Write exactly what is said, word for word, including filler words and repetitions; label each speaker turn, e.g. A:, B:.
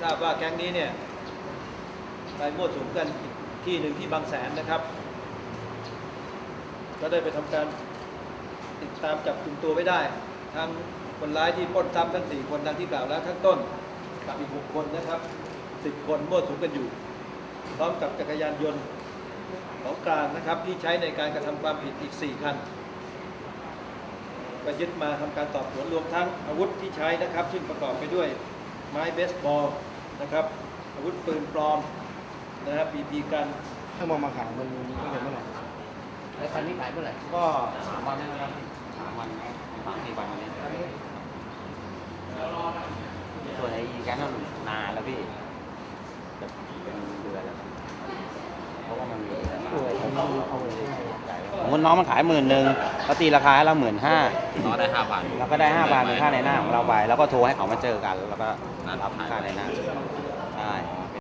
A: ทราบว่าแก๊งนี้เนี่ยไปมั่วสุมกันอีกที่หนึ่งที่บางแสนนะครับก็ได้ไปทำการติดตามจับกลุ่มตัวไว้ได้ทั้งคนร้ายที่ปล้นทรัพย์ทั้งสี่คนดังที่กล่าวแล้วข้างต้นกับอีกหกคนนะครับสิบคนมั่วสุมกันอยู่พร้อมกับจักรยานยนต์ของกลางนะครับที่ใช้ในการกระทำความผิดอีกสี่คันก็ยึดมาทำการสอบสวนรวมทั้งอาวุธที่ใช้นะครับซึ่งประกอบไปด้วยไม้เบสบอลนะครับอาวุธปืนปลอมนะครับบีบีกัน
B: ถ้ามองมาขายมันก็จะเมื่อไหร่
C: แล้วคันนี้ขายเมื่อไหร่
B: ก็
C: สามวันนะครับสามวันสามสี่วันวันนี้ส่วนไอ้แก๊งนั้นนานแล้วพี่จะเป็นเดือนแล้วเพราะว่ามันมีสมมติน้องมันขายหมื่นหนึ่งเขาตีราคาให้เราหมื่นห้าเราได้ห้าพันเราก็ได้ห้าพันเป็นค่าในหน้าของเราไปแล้วก็โทรให้เขามาเจอกันแล้วก็รับค่าในหน้า